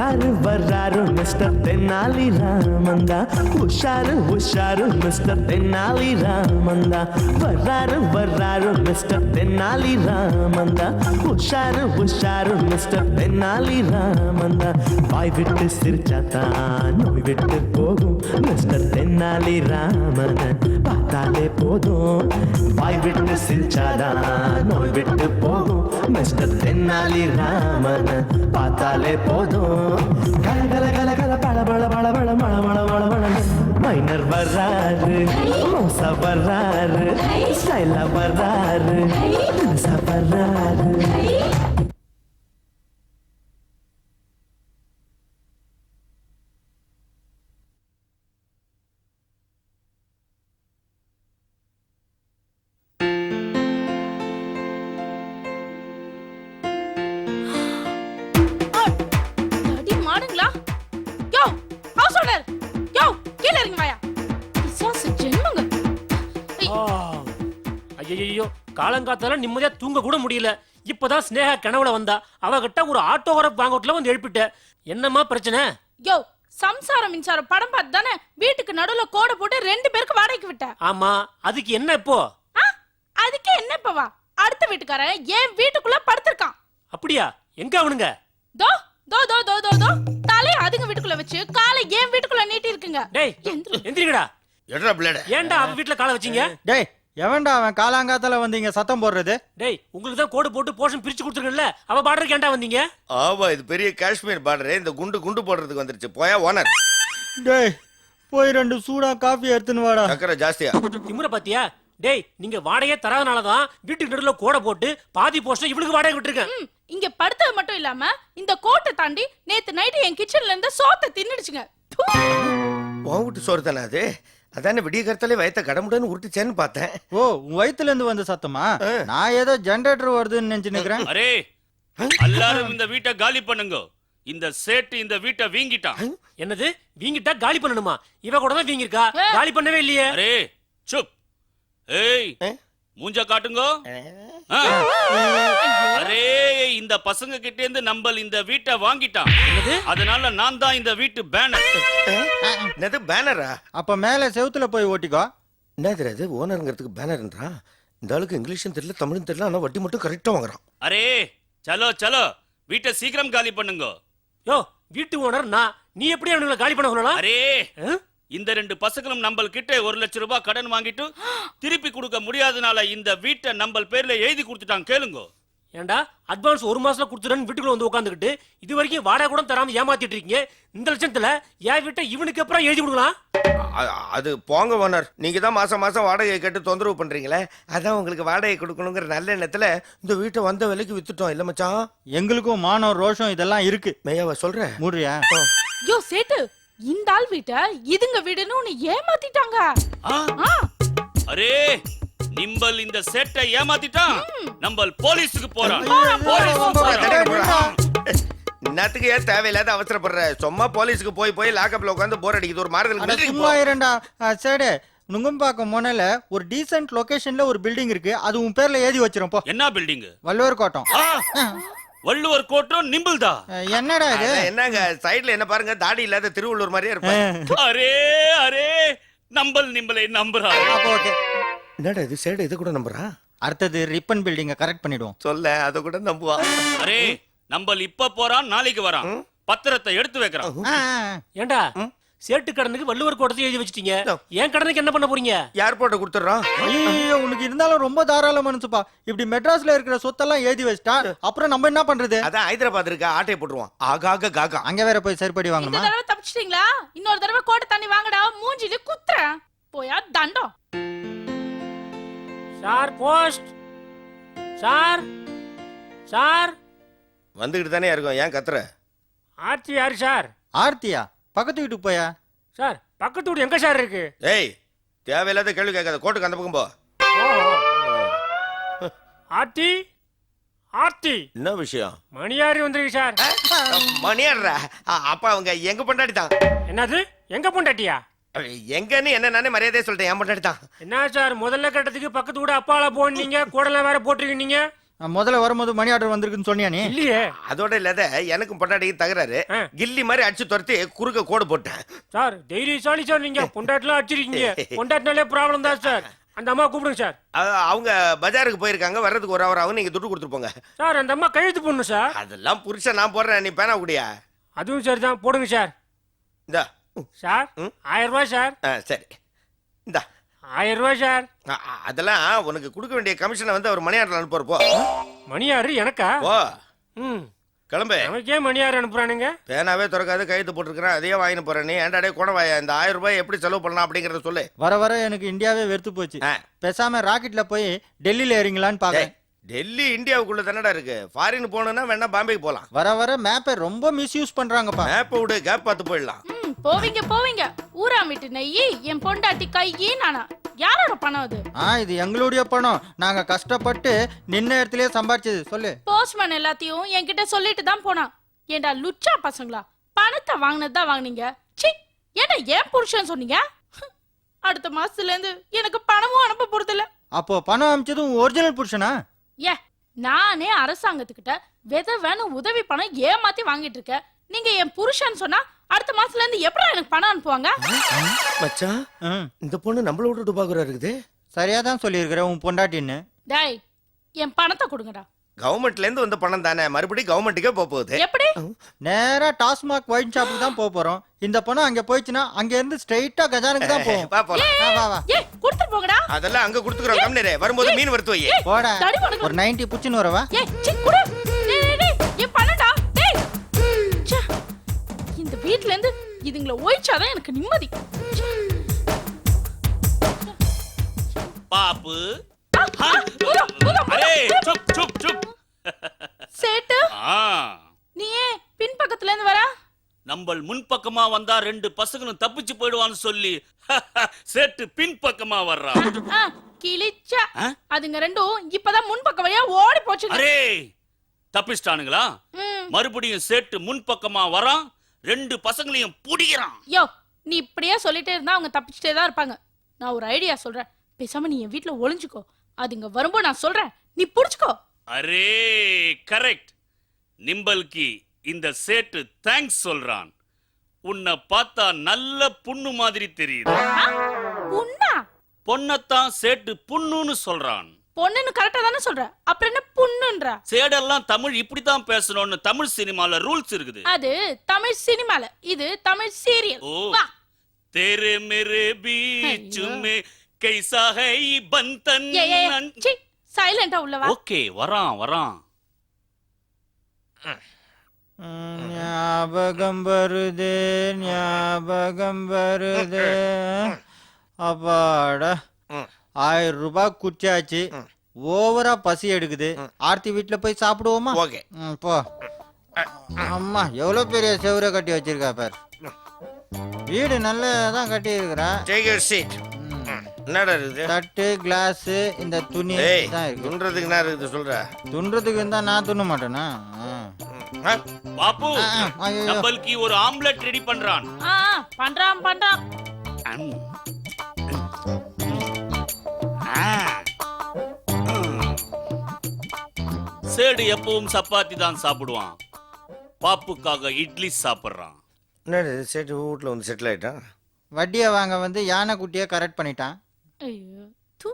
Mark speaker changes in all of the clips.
Speaker 1: வர்றாரு வர்றாரு மிஸ்டர் தென்னாலி ராமந்தா, உஷாரு உஷாரு மிஸ்டர் தென்னாலி ராமந்தா. வர்றாரு வர்றாரு மிஸ்டர் தென்னாலி ராமந்தா, உஷாரு உஷாரு மிஸ்டர் தென்னாலி ராமந்தா. வாய் விட்டு சிரிச்சாத்தான் நோய் விட்டு போகும் மிஸ்டர் தென்னாலி ராமன் பார்த்தாலே போதும். வாய் விட்டு சிரிச்சாதான் நோய் விட்டு போகும் மிஸ்டர் தென்னாலி ராமன் பார்த்தாலே போதும். கல கல கல கல பழ பழ பழ பழ மழ மழ மழ மழ. மைனர் வர்றாரு, மோசா வர்றாரு, ஸ்டைலா வர்றாரு, தினுசா வர்றாரு.
Speaker 2: ஐயோ, காலங்காத்தால நிம்மதியா தூங்க கூட முடியல. இப்பதான் ஸ்னேகா கனவுல வந்தா. அவகிட்ட ஒரு ஆட்டோகிராஃப் வாங்கல வந்து எழுப்பிட்ட. என்னமா பிரச்சனை?
Speaker 3: யோ, சம்சாரம் மின்சாரம் படம் பார்த்து தானே வீட்டுக்கு நடுவுல கோடை போட்டு 2 பேருக்கு வாடகைக்கு விட்ட.
Speaker 2: ஆமா, அதுக்கு என்ன இப்போ?
Speaker 3: அதுக்கு என்ன இப்பவா? அடுத்த வீட்டுக்காரன் என் வீட்டுக்குள்ள படுத்திருக்கான்.
Speaker 2: அப்படியா? எங்க அவனுங்க?
Speaker 3: தோ தோ தோ தோ தோ தோ தலைய அதுங்க வீட்டுக்குள்ள வச்சு காலை என் வீட்டுக்குள்ள நீட்டி இருக்குங்க.
Speaker 2: டேய், எந்திரிங்கடா.
Speaker 4: எட்ரா பிளேட்.
Speaker 2: ஏன்டா அவ வீட்ல காலை வச்சீங்க?
Speaker 5: டேய், எவன்டா அவன் காலாங்காத்தால வந்தீங்க சத்தம் போடுறது?
Speaker 2: டேய், உங்களுக்கு தான் கோடு போட்டு போர்ஷன் பிரிச்சு கொடுத்துருக்கேன்ல, அவ பார்டருக்கு ஏன்டா வந்தீங்க?
Speaker 4: ஆமா, இது பெரிய காஷ்மீர் பார்டர். இந்த குண்டு போடுறதுக்கு வந்துருச்சு. போயா ஓனர்.
Speaker 5: டேய், போய் 2 சூடா காஃபி எடுத்துன்னு வாடா.
Speaker 4: சக்கரை ஜாஸ்தியா?
Speaker 2: திமுற பாத்தியா? டேய், நீங்க வாடகையே தராதனாலதான் வீட்டுக்கு நடுவுல கோடை போட்டு பாதி போர்ஷன் இவளுக்கு வாடகை விட்டுருக்கேன்.
Speaker 3: இங்க படுத்தது மட்டும் இல்லாம இந்த கோட்டை தாண்டி நேத்து நைட் என் கிச்சன்ல இருந்து சோத்தை தின்னுடுச்சுங்க.
Speaker 4: உன் சோறு தானே அது? அதானே விடிய கருத்தாலே வயத்த கடமுடன்னு உருட்டுச்சேன்னு பார்த்தேன்.
Speaker 5: ஓ, உன் வயித்துல இருந்து வந்த சத்தமா? நான் ஏதோ ஜெனரேட்டர் வருதுன்னு நினைச்சு நிக்கிறேன்.
Speaker 6: அரே, எல்லாரும் இந்த வீட்டை காலி பண்ணுங்க. இந்த சேட்டு இந்த வீட்டை வீங்கிட்டான்.
Speaker 2: என்னது வீங்கிட்டா காலி பண்ணணுமா? இவ கூட தான் வீங்கிருக்கா, காலி பண்ணவே இல்லையே.
Speaker 6: அரே சுப். ஏய், மூஞ்ச காட்டுங்க. அரே, இந்த பசங்க கிட்ட இருந்து நம்ம இந்த வீட்டை வாங்கிட்டான். அதனால நான் தான் இந்த வீட்டு பேனர்.
Speaker 4: என்னது பேனரா?
Speaker 5: அப்ப மேல செவுத்துல போய் ஓட்டிக்கோ.
Speaker 4: என்ன தெரியாது, ஓனருங்கிறதுக்கு பேனர்ன்றா. இந்த ஆளுக்கு இங்கிலீஷும் தெரியல தமிழும் தெரியல, ஆனா வட்டி மட்டும் கரெக்டா வாங்குறான்.
Speaker 6: அரே சலோ சலோ, வீட்டை சீக்கிரம் காலி பண்ணுங்க.
Speaker 2: யோ, வீட்டு ஓனர் நான், நீ எப்படி அவனுங்களை காலி பண்ண சொல்லலாம்?
Speaker 6: அரே, இந்த 2 பசங்களும் நம்ம கிட்ட 1 லட்சம் ரூபாய் கடன் வாங்கிட்டு திருப்பி கொடுக்க முடியாதனால இந்த வீட்டை நம்ம பேர்ல எழுதி கொடுத்துட்டாங்க. கேளுங்க.
Speaker 2: ஏண்டா, அட்வான்ஸ் 1 மாசத்துல கொடுத்துறேன்னு வீட்டுக்குள்ள வந்து உட்காந்துக்கிட்டு இது வரைக்கும் வாடகை கூட தராம ஏமாத்திட்டு இருக்கீங்க. இந்த லட்சத்துல என் வீட்டை இவனுக்கு அப்புறம் எழுதி கொடுக்கலாம்.
Speaker 4: அது போங்க ஓனர், நீங்க தான் மாசம் மாசம் வாடகை கேட்டு தொந்தரவு பண்றீங்களே, அதான் உங்களுக்கு வாடகை கொடுக்கணுங்கிற நல்ல எண்ணத்துல இந்த வீட்டை வந்த விலைக்கு வித்துட்டோம். இல்ல மச்சான்,
Speaker 5: எங்களுக்கும் மானம் ரோஷம் இதெல்லாம் இருக்கு.
Speaker 4: மெய்யாவ சொல்றேன்.
Speaker 5: மூடுறியா?
Speaker 3: யோ சேட்டு, இந்த ஆள் வீட்டை இதுங்க வீடுன்னு உன்னை ஏமாத்திட்டாங்க.
Speaker 6: அரே, நிம்பல் இந்த சேட்டை ஏமாத்திட்டான். நம்ம போலீஸுக்கு போறோம்.
Speaker 4: இன்னத்துக்கு ஏன் தேவையில்லாத அவசரப்படுற? சும்மா போலீஸுக்கு போய் லாக்கப்ல உட்காந்து போர் அடிக்குது. ஒரு மாறுதல்
Speaker 5: சும்மா இரண்டா சேடு. நுங்கம்பாக்கம் முனையில ஒரு டீசென்ட் லொகேஷன்ல ஒரு பில்டிங் இருக்கு. அது உன் பேர்ல எழுதி வச்சிரும். போ.
Speaker 6: என்ன பில்டிங்?
Speaker 5: வள்ளுவர் கோட்டம்.
Speaker 6: வள்ளுவர் கோட்டம் நிம்பிள்தா?
Speaker 5: என்னடா இது?
Speaker 4: என்னங்க சைடுல என்ன பாருங்க, தாடி இல்லாத திருவள்ளூர் மாதிரியே இருப்பாங்க.
Speaker 6: அரே அரே, நம்பல் நிம்பலை நம்புறா.
Speaker 5: ஓகே.
Speaker 4: என்னடா இது சேடு, இது கூட நம்புறா?
Speaker 5: அடுத்தது ரிப்பன் பில்டிங்க கரெக்ட் பண்ணிடுவோம்.
Speaker 4: சொல்ல அத கூட நம்புவா.
Speaker 6: அரே, நம்பல் இப்ப போறான், நாளைக்கு வரான். பத்திரத்தை எடுத்து வைக்கிறான்.
Speaker 2: ஏண்டா, சேட்டு கடனுக்கு வள்ளுவர் கோட்டத்தை எழுதி வச்சிட்டீங்க. என் கடனுக்கு என்ன பண்ண போறீங்க?
Speaker 4: ஏர்போர்ட்ட கொடுத்துறோம்.
Speaker 5: ஐயோ, உனக்கு இருந்தாலும் ரொம்ப தாராள மனசுப்பா. இப்படி மெட்ராஸ்ல இருக்கிற சொத்தெல்லாம் எழுதி வச்சிட்டா அப்புறம் நம்ம என்ன பண்றது?
Speaker 4: அதான் ஹைதராபாத் இருக்க ஆட்டையை போட்டுருவான். ஆகாக காகா.
Speaker 5: அங்க வேற போய் சரிப்படி
Speaker 3: இந்த
Speaker 5: வாங்கணுமா?
Speaker 3: தடவை தப்பிச்சிட்டீங்களா? இன்னொரு தடவை கோட்டை தண்ணி வாங்கடா, மூஞ்சில குத்துறேன். போயா தண்டம்.
Speaker 2: Sir post. சார் சார்
Speaker 4: வந்துகிட்டு தானே இருக்கும், ஏன் கத்துற?
Speaker 2: ஆர்த்தி யாரு சார்?
Speaker 5: ஆர்த்தியா? பக்கத்து வீட்டுக்கு போயா?
Speaker 2: சார், பக்கத்து வீடு எங்க சார் இருக்கு?
Speaker 4: ஏய், தேவையில்லாத கேள்வி கேட்காத. கோட்டுக்கு அந்த பக்கம் போ.
Speaker 2: ஆர்த்தி ஆர்த்தி,
Speaker 4: என்ன விஷயம்?
Speaker 2: மணியாரி வந்திருக்கு சார்.
Speaker 4: மணியாடுறா? அப்ப அவங்க எங்க பொண்டாடி தான்.
Speaker 2: என்னது எங்க பொண்டாட்டியா?
Speaker 4: எங்கன்னு என்ன நானே மரியாதையா சொல்லிட்டேன். என் பொண்டாடி தான்.
Speaker 2: என்ன சார், முதல்ல கட்டத்துக்கு பக்கத்து கூட அப்பால போனீங்க, கூடலாம் வேற போட்டிருக்கீங்க.
Speaker 5: முதல்ல வரும்போது மணி ஆர்டர் வந்திருக்குன்னு சொன்னியா நீ?
Speaker 2: இல்லையே
Speaker 4: அதோட இல்லாத எனக்கும் பொண்டாட்டிக்கு தகராறு
Speaker 2: ஆ.
Speaker 4: கில்லி மாதிரி அடிச்சு துரத்தி குறுக்க கோடு போட்டேன்.
Speaker 2: சார் தைரியசாலி சார் நீங்க பொண்டாட்டிலாம் அடிச்சிருக்கீங்க பொண்டாட்டினாலே ப்ராப்ளம் தான் சார் அந்த அம்மா கூப்பிடுங்க சார்
Speaker 4: அவங்க பஜாருக்கு போயிருக்காங்க, வர்றதுக்கு ஒரு அவர் ஆகும், நீங்க துட்டு கொடுத்துட்டு போங்க.
Speaker 2: சார் அந்த அம்மா கையெழுத்து போடணும் சார்
Speaker 4: அதெல்லாம் புருஷன் நான் போடுறேன், நீ பேனா குடியா.
Speaker 2: அதுவும் சரி தான் போடுங்க சார்
Speaker 4: இந்த
Speaker 2: சார்
Speaker 4: ம்.
Speaker 2: 1000 ரூபாய் சார்
Speaker 4: சரி இந்த
Speaker 2: 1000 ரூபாய் சார்
Speaker 4: அதெல்லாம் உனக்கு கொடுக்க வேண்டிய கமிஷனை வந்து அவர் மணி ஆர்டர் அனுப்புற போ.
Speaker 2: மணியாரு எனக்கா
Speaker 4: ஓ
Speaker 2: ம்
Speaker 4: கிளம்பு.
Speaker 2: நமக்கே மணியாரு அனுப்புறானுங்க
Speaker 4: பேனாவே திறக்காது கையெழுத்து போட்டிருக்கிறேன், அதையே வாங்கிட்டு போறேன். நீ ஏன்டாடே குணவாயா இந்த 1000 ரூபாய் எப்படி செலவு பண்ணலாம் அப்படிங்கறத சொல்லு.
Speaker 5: வர வர எனக்கு இந்தியாவே வெறுத்து போச்சு.
Speaker 4: ஆ.
Speaker 5: பேசாம ராக்கெட்ல போய் டெல்லியில ஏறிங்களான்னு பாக்க.
Speaker 4: டேய், டெல்லி இந்தியாவுக்குள்ள தானடா இருக்கு, ஃபாரின் போகணும்னா வேணா பாம்பேக்கு போலாம்.
Speaker 5: வர வர மேப்பை ரொம்ப மிஸ்யூஸ் பண்றாங்கப்பா.
Speaker 4: மேப்பை விடு, கேப் பார்த்து போயிடலாம்.
Speaker 3: போவீங்க போவீங்க ஊரா விட்டு நெய்யி என் பொண்டாட்டி கையி நானா யாரோட பணம் அது?
Speaker 5: இது எங்களுடைய பணம், நாங்க கஷ்டப்பட்டு நின்ன இடத்துலயே சம்பாரிச்சது. சொல்லு.
Speaker 3: போஸ்ட்மேன் எல்லாத்தையும் என்கிட்ட சொல்லிட்டு தான் போனான். ஏண்டா லுச்சா பசங்களா, பணத்தை வாங்கினது தான் வாங்குனீங்க. சி ஏன்னா ஏன் புருஷன் சொன்னீங்க? அடுத்த மாசத்துல இருந்து எனக்கு பணமும் அனுப்ப போறதில்ல.
Speaker 5: அப்போ பணம் அமிச்சதும் ஒரிஜினல் புருஷனா?
Speaker 3: ஏ நானே அரசாங்கத்துக்கிட்ட விதவைன்னு உதவி பணம் ஏமாத்தி வாங்கிட்டு இருக்கேன். நீங்க என் புருஷன் சொன்னா அடுத்த மாசத்துல இருந்து எப்படி எனக்கு பணம் அனுப்புவாங்க?
Speaker 4: மச்சான்
Speaker 5: ம்,
Speaker 4: இந்த பொண்ணு நம்மள விட்டுட்டு பாக்குறா இருக்குது.
Speaker 5: சரியா தான் சொல்லியிருக்கிற உன் பொண்டாட்டின்னு.
Speaker 3: டேய் என் பணத்தை கொடுங்கடா.
Speaker 4: கவர்மெண்ட்ல இருந்து வந்த பணம் தானே, மறுபடியும் கவர்மெண்ட்டுக்கே போக போகுது.
Speaker 3: எப்படி?
Speaker 5: நேரா டாஸ்மாக் ஒயின் ஷாப்புக்கு தான் போக போறோம். இந்த பணம் அங்க போயிடுச்சுன்னா அங்க இருந்து ஸ்ட்ரைட்டா கஜானுக்கு தான் போகும்.
Speaker 4: வா போலாம்.
Speaker 5: வா வா
Speaker 3: ஏ கொடுத்துட்டு போங்கடா.
Speaker 4: அதெல்லாம் அங்க கொடுத்துக்கிறோம். கம்னரே வரும்போது மீன் வறுத்து வை.
Speaker 5: போடா.
Speaker 3: தடி பணம்
Speaker 5: ஒரு 90 புச்சுன்னு வரவா?
Speaker 3: ஏய் சி குடு. டேய் டேய், டேய் என் பணம்டா. டேய் ச்சே, இந்த வீட்ல இருந்து இதுங்கள ஒழிச்சாதான் எனக்கு நிம்மதி.
Speaker 6: பாப்பு
Speaker 3: ஆ, ஊதா, ஊதா,
Speaker 6: அரே சுப் சுப் சுப்.
Speaker 3: சேட்டு
Speaker 6: ஆ
Speaker 3: நீ ஏன் பின் பக்கத்துல இருந்து வர?
Speaker 6: நம்ம முன்பக்கமா வந்தா 2 பசங்களும் தப்பிச்சு போயிடுவான்னு சொல்லி சேட்டு பின் பக்கமா வர்றான்.
Speaker 3: ஆ, கிழிச்சா
Speaker 6: ஆ?
Speaker 3: அதுங்க ரெண்டும் இப்பதான் முன் பக்கம் வழியா ஓடி போச்சுங்க.
Speaker 6: அரே தப்பிச்சிட்டானுங்களா?
Speaker 3: ம்.
Speaker 6: மறுபடியும் சேட்டு முன்பக்கமா வரான், 2 பசங்களையும் புடிக்கிறான்.
Speaker 3: யோ நீ இப்படியே சொல்லிட்டே இருந்தா அவங்க தப்பிச்சுட்டே தான் இருப்பாங்க. நான் ஒரு ஐடியா சொல்றேன், பேசாம நீ என் வீட்ல ஒளிஞ்சுக்கோ. அதுங்க வரும்போது நான் சொல்றேன், நீ புடிச்சுக்கோ.
Speaker 6: Array correct. நிம்பல்கி இந்த சேட்டு தேங்க்ஸ் சொல்றான். உன்னை பார்த்தா நல்ல புண்ணு மாதிரி தெரியுது.
Speaker 3: ஆ? புண்ணா?
Speaker 6: பொண்ணத்தான் சேட்டு புண்ணுன்னு சொல்றான்.
Speaker 3: பொண்ணுன்னு கரெக்டா தானே சொல்ற, அப்புறம் என்ன புண்ணுன்ற?
Speaker 6: சேடெல்லாம் தமிழ் இப்படித்தான் பேசணும்னு தமிழ் சினிமால ரூல்ஸ் இருக்குது.
Speaker 3: அது தமிழ் சினிமால, இது தமிழ் சீரியல்.
Speaker 6: ஓ.
Speaker 3: வா.
Speaker 6: तेरे मेरे बीच
Speaker 3: ஐயோ.
Speaker 6: में कैसा है ये बंधन.
Speaker 3: சி சைலண்டா உள்ள வா.
Speaker 6: ஓகே வரான் வரான்.
Speaker 5: ஞாபகம் வருதே ஞாபகம் வருதே. அப்பாடா, 1000 ரூபாய் குச்சாச்சு. ஓவரா பசி எடுக்குது. ஆர்த்தி வீட்டுல போய் சாப்பிடுவோமா?
Speaker 4: ஓகே.
Speaker 5: போ. அம்மா எவ்வளவு பெரிய செவரை கட்டி வச்சிருக்கா பார். வீடு நல்லதான் கட்டி இருக்கிறா.
Speaker 4: Take your seat. என்னடா இருக்குது?
Speaker 5: தட்டு கிளாஸ் இந்த துணி
Speaker 4: ஏய்
Speaker 5: தான் இருக்கு.
Speaker 4: துன்றதுக்கு என்ன இருக்குது சொல்ற?
Speaker 5: துன்றதுக்கு இருந்தா நான் துண்ண மாட்டேனா?
Speaker 6: பாப்பு
Speaker 5: ஐயோ.
Speaker 6: நம்மளுக்கு ஒரு ஆம்லெட் ரெடி பண்றான்.
Speaker 3: ஆ பண்றான் பண்றான்.
Speaker 6: அம். ஆ. சேடு எப்பவும் சப்பாத்தி தான் சாப்பிடுவான். பாப்புக்காக இட்லி சாப்பிடுறான்.
Speaker 4: என்னது சேட்டு வீட்டில் வந்து செட்டில் ஆயிட்டான்?
Speaker 5: வட்டியை வாங்க வந்து யானை குட்டியை கரெக்ட் பண்ணிட்டான்.
Speaker 3: ஐயோ தூ.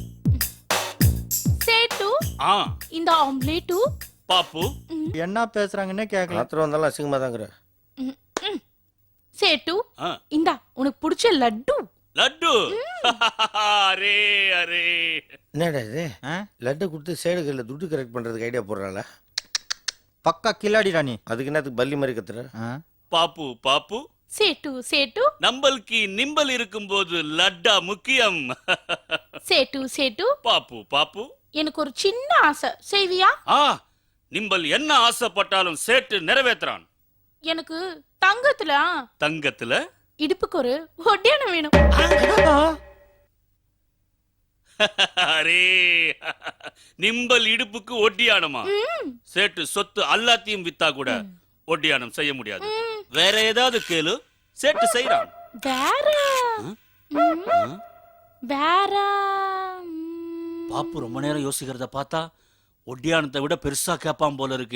Speaker 3: சேட்டு
Speaker 6: ஆ
Speaker 3: இந்த ஆம்லேட்டு.
Speaker 6: பாப்பு
Speaker 5: என்ன பேசுறாங்கன்னு கேட்கல.
Speaker 4: ராத்திரம் வந்தாலும் அசிங்கமாக தாங்கிறேன்.
Speaker 3: சேட்டு
Speaker 6: ஆ.
Speaker 3: இந்தா உனக்கு பிடிச்ச லட்டு.
Speaker 6: லட்டு. அரே அரே
Speaker 4: என்னடா இது?
Speaker 5: ஆ?
Speaker 4: லட்டை கொடுத்து சேடுகளில் துட்டு கரெக்ட் பண்ணுறதுக்கு ஐடியா போடுறாங்கள?
Speaker 5: பக்கா கில்லாடிடா நீ.
Speaker 4: அதுக்கு என்னத்துக்கு பல்லி மாதிரி கத்துற?
Speaker 5: ஆ?
Speaker 6: பாப்பு பாப்பு
Speaker 3: சேட்டு சேட்டு
Speaker 6: நம்மளுக்கு நிம்பல் இருக்கும்போது லட்டா முக்கியம்.
Speaker 3: சேட்டு சேட்டு
Speaker 6: பாப்பு பாப்பு
Speaker 3: எனக்கு ஒரு சின்ன ஆசை, செய்வியா?
Speaker 6: ஆ நிம்பல் என்ன ஆசைப்பட்டாலும் சேட்டு நிறைவேத்துறான்.
Speaker 3: எனக்கு தங்கத்துல
Speaker 6: தங்கத்துல
Speaker 3: இடுப்புக்கு ஒரு ஒட்டியானம் வேணும்.
Speaker 6: அரே நிம்பல் இடுப்புக்கு ஒட்டியானமா? சேட்டு சொத்து எல்லாத்தையும் வித்தா கூட ஒட்டியானம் செய்ய முடியாது. வேற ஏதாவது கேளு, சேட்டு செய்யறான்.
Speaker 3: வேற வேற
Speaker 6: பாப்பு ரொம்ப நேரம் யோசிக்கிறத பார்த்தா ஒட்டியானத்தை விட பெருசா கேப்பான் போல இருக்கு.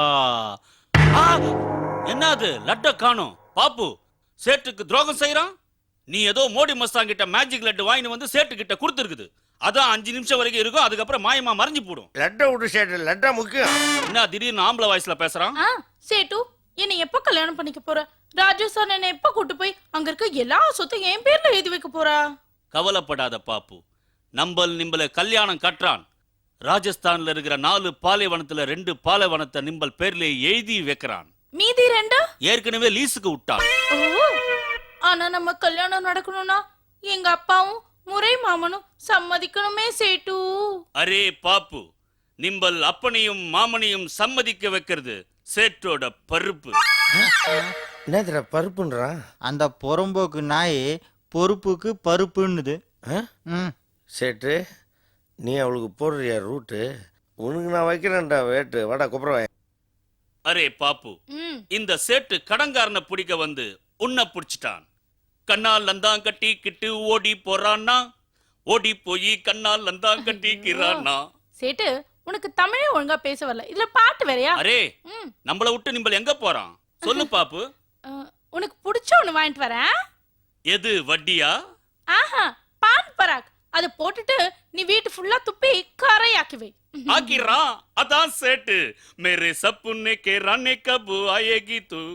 Speaker 6: என்னது லட்ட காணோம்? பாப்பு சேட்டுக்கு துரோகம் செய்யறான். நீ ஏதோ மோடி மஸ்தான் கிட்ட மேஜிக் லட்டு வாங்கிட்டு வந்து சேட்டு கிட்ட கொடுத்துருக்குது. அதான் 5 நிமிஷம் வரைக்கும் இருக்கும், அதுக்கப்புறம் மாயமா மறைஞ்சு போடும்.
Speaker 4: லட்டை விட்டு சேட்டு, லட்டா முக்கியம்.
Speaker 6: என்ன திடீர்னு ஆம்பளை வாய்ஸ்ல பேசுறான்?
Speaker 3: சேட்டு என்னை எப்ப கல்யாணம் பண்ணிக்க போற? ராஜு சார் என்னை எப்ப கூட்டு போய் அங்க இருக்க எல்லா சொத்தையும் என் பேர்ல எழுதி வைக்க போறா?
Speaker 6: கவலைப்படாத பாப்பு, நிம்பல கல்யாணம் கட்டுறான். ராஜஸ்தான்ல இருக்கிற 4 பாலைவனத்துல 2 பாலைவனத்தை நிம்பல் பேர்ல எழுதி வைக்கிறான்.
Speaker 3: மீதி 2
Speaker 6: ஏற்கனவே லீஸுக்கு விட்டான்.
Speaker 3: ஆனா நம்ம கல்யாணம் நடக்கணும்னா எங்க அப்பாவும் முறை மாமனும் சம்மதிக்கணுமே சேட்டு.
Speaker 6: அரே பாப்பு, நிம்பல் அப்பனையும் மாமனையும் சம்மதிக்க வைக்கிறது சேட்டோட பருப்பு.
Speaker 4: என்னதுடா பருப்புன்றான்?
Speaker 5: அந்த புறம்போக்கு நாய் பொறுப்புக்கு பருப்புன்னுது.
Speaker 4: சேட்டு, நீ அவளுக்கு போடுறியா ரூட்டு? உனக்கு நான் வைக்கிறேன்டா வேட்டு. வாடா குப்புறவாய்.
Speaker 6: அரே பாப்பு, இந்த சேட்டு கடங்காரனை பிடிக்க வந்து உன்னை பிடிச்சிட்டான். கண்ணால் லந்தான் கட்டி கிட்டு ஓடி போறான்னா, ஓடி போய் கண்ணால் லந்தான் கட்டிக்கிறானா.
Speaker 3: சேட்டு உனக்கு தமிழே ஒழுங்கா பேச வரல, இதுல பாட்டு வேறயா?
Speaker 6: அரே நம்மள விட்டு நிம்பல் எங்க போறான் சொல்லு பாப்பு.
Speaker 3: உனக்கு பிடிச்ச ஒண்ணு வாங்கிட்டு வரேன்.
Speaker 6: எது வட்டியா?
Speaker 3: ஆஹா, பான் பராக். அது போட்டுட்டு நீ வீட்டு ஃபுல்லா துப்பி கரையாக்கி வை.
Speaker 6: ஆக்கிரான். அதான் சேட்டு. மேரே சப்புனே கே ரானே கபு ஆயேகி தூ.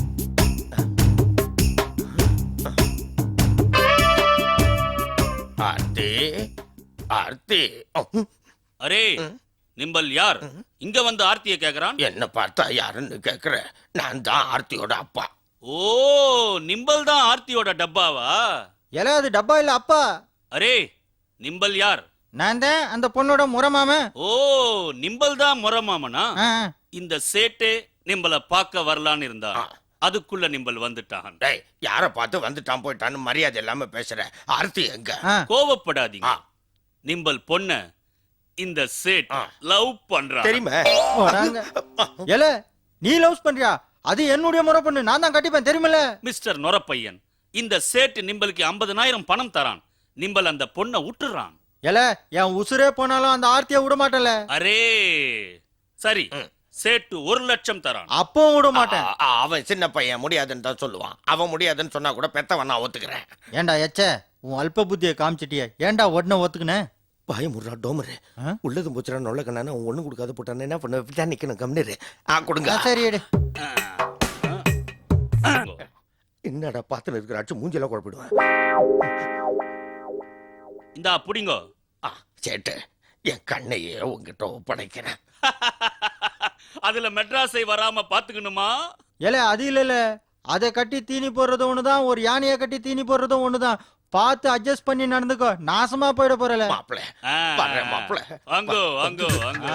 Speaker 4: ஆர்த்தி, ஆர்த்தி.
Speaker 6: அரே நிம்பல் யார் இங்க வந்து ஆர்த்தியை கேக்குறான்?
Speaker 4: என்ன பார்த்தா யாருன்னு கேக்குற? நான் தான் ஆர்த்தியோட அப்பா.
Speaker 6: ஓ, நிம்பல் தான் ஆர்த்தியோட டப்பாவா?
Speaker 5: எல்லாம் அது டப்பா இல்ல அப்பா.
Speaker 6: அரே நிம்பல் யார்?
Speaker 5: நான் தான் அந்த பொண்ணோட முறமாம.
Speaker 6: ஓ, நிம்பல் தான் முறமாமனா? இந்த சேட்டே நிம்பல பார்க்க வரலான்னு இருந்தான். அதுக்குள்ள நிம்பல் வந்துட்டான்.
Speaker 4: டேய், யார பார்த்து வந்துட்டான் போயிட்டான்னு மரியாதை இல்லாம பேசுற. ஆர்த்தி எங்க?
Speaker 6: கோவப்படாதீங்க. நிம்பல் பொண்ண இந்த சேட் லவ் பண்றான்.
Speaker 4: தெரியுமா?
Speaker 5: எல நீ லவ் பண்றியா? அது என்னுடைய முறை பொண்ணு, நான் தான் கட்டிப்பேன் தெரியுமில்ல?
Speaker 6: மிஸ்டர் நொரப்பையன், இந்த சேட் நிம்பலுக்கு 50,000 பணம் தரான். நிம்பல் அந்த பொண்ணை விட்டுறான்.
Speaker 5: எல என் உசுரே போனாலும் அந்த ஆர்த்தியை விட மாட்டேன்ல.
Speaker 6: அரே சரி, சேட்டு 1 லட்சம் தரான்.
Speaker 5: அப்பவும் விட மாட்டேன்.
Speaker 4: அவன் சின்ன பையன், முடியாதுன்னு தான் சொல்லுவான். அவன் முடியாதுன்னு சொன்னா கூட பெத்தவன் நான் ஒத்துக்கிறேன்.
Speaker 5: ஏண்டா எச்ச உன் அல்ப புத்தியை காமிச்சிட்டிய, ஏண்டா உடனே ஒத்துக்குன?
Speaker 4: பாய முறா டோமரு, உள்ளது போச்சுடா நொல்ல கண்ணான ஒண்ணு கொடுக்காத போட்டானே என்ன பண்ண? விட்டா நிக்கணும் கம்னரு. கொடுங்க.
Speaker 5: சரி எடு.
Speaker 4: என்னடா பாத்துல இருக்கிற அச்சு மூஞ்சில குழப்பிடுவேன்.
Speaker 6: இந்தா புடிங்கோ.
Speaker 4: சேட்டு, என் கண்ணையே உங்ககிட்ட ஒப்படைக்கிறேன்.
Speaker 6: அதுல மெட்ராஸை வராம பாத்துக்கணுமா?
Speaker 5: ஏல அது இல்ல, அதை கட்டி தீனி போடுறதும் ஒண்ணுதான், ஒரு யானையை கட்டி தீனி போடுறதும் ஒண்ணுதான். பார்த்து அட்ஜஸ்ட் பண்ணி நடந்துக்கோ, நாசமா போயிட போறல.
Speaker 4: மாப்ள வரேன் மாப்ள.
Speaker 6: வாங்கோ வாங்கோ வாங்கோ.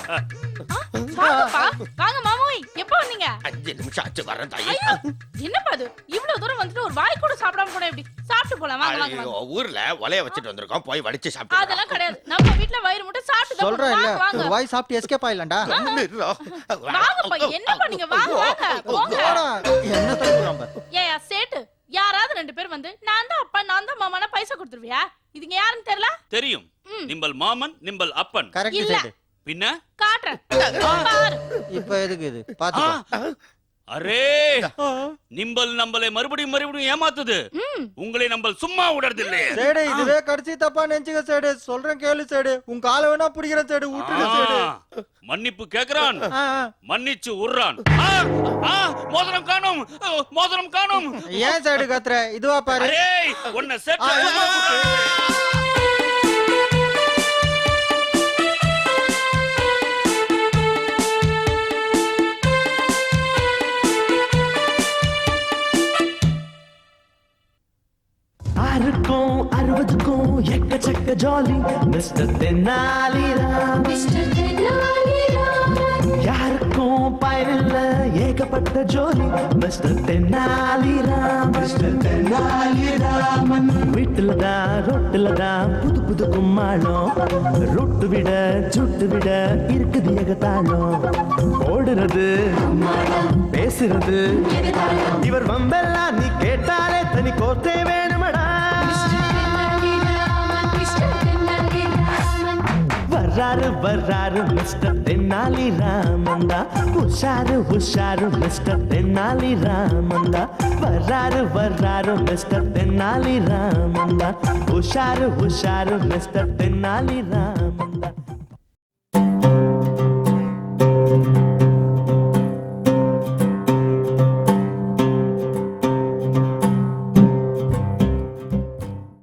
Speaker 3: வாங்க மாமோய், எப்ப வந்தீங்க?
Speaker 4: 5 நிமிஷம் ஆச்சு வரேன் தாயி.
Speaker 3: என்னப்பா இது, இவ்வளவு தூரம் வந்துட்டு ஒரு வாய் கூட சாப்பிடாம போனா எப்படி? சாப்பிட்டு போலாம் வாங்க வாங்க.
Speaker 4: ஊர்ல ஒலைய வச்சிட்டு வந்திருக்கோம், போய் வடிச்சு சாப்பிட்டு.
Speaker 3: அதெல்லாம் கிடையாது, நம்ம வீட்ல வயிறு மட்டும் சாப்பிட்டு
Speaker 5: சொல்றேன் இல்ல,
Speaker 3: வாங்க.
Speaker 5: ஒரு வாய் சாப்பிட்டு எஸ்கேப் ஆயிடலாம்டா.
Speaker 3: வாங்கப்பா, என்னப்பா நீங்க வாங்க வாங்க போங்க.
Speaker 5: என்ன தடுக்குறான் பாரு.
Speaker 3: ஏயா சேட்டு, யாராவது 2 பேர் வந்து நான் தான் அப்பா நான் தான் மாமானா பைசா கொடுத்துருவியா? இதுங்க யாருன்னு தெரியல?
Speaker 6: தெரியும். நிம்பல் மாமன், நிம்பல் அப்பன்.
Speaker 5: கரெக்ட்
Speaker 3: இல்ல.
Speaker 5: சைடு.
Speaker 6: பின்ன
Speaker 3: காட்டுறேன் பாரு.
Speaker 5: இப்போ எதுக்கு இது பாத்துக்கோ.
Speaker 6: அரே நிம்பல் நம்மளை மறுபடியும் ஏமாத்துது. உங்களை நம்பல் சும்மா விடுறது இல்லையே.
Speaker 5: சேடு, இதுவே கடைசி தப்பா நினைச்சுக்க சேடு. சொல்றேன் கேளு சேடு, உன் காலை வேணா பிடிக்கிற சேடு, விட்டுடு சேடு.
Speaker 6: மன்னிப்பு கேக்குறான், மன்னிச்சு உர்றான். மோதிரம் காணும், மோதிரம் காணும்.
Speaker 5: ஏன் சேடு கத்துற? இதுவா பாரு.
Speaker 6: அரே உன்னை சேட்டு.
Speaker 1: ஆறுக்கும் 60க்கும் எக்கச்சக்க ஜாலி மிஸ்டர் தென்னாலிராம். யாருக்கும் பயனில்ல ஏகப்பட்ட ஜோலி மிஸ்டர் தென்னாலிராம். மிஸ்டர் தென்னாலிராமன் வீட்டுல தான் ரொட்டுல தான் புது புது கும்மாளம். ரொட்டு விட சுட்டு விட இருக்குது ஏகத்தாளம். ஓடுறது பேசுறது இவர் வம்பெல்லாம் நீ கேட்டாலே தனி கோர்த்தே வேணுமடா. வர்ற வர்றாரு மிஸ்டர் தென்னாலி ராமந்தா உஷாரு மிஸ்டர் தென்னாலி ராமந்தா வர்றாரு மிஸ்டர் தென்னாலி ராமந்தா உஷாரு மிஸ்டர் தென்னாலி ராமந்தா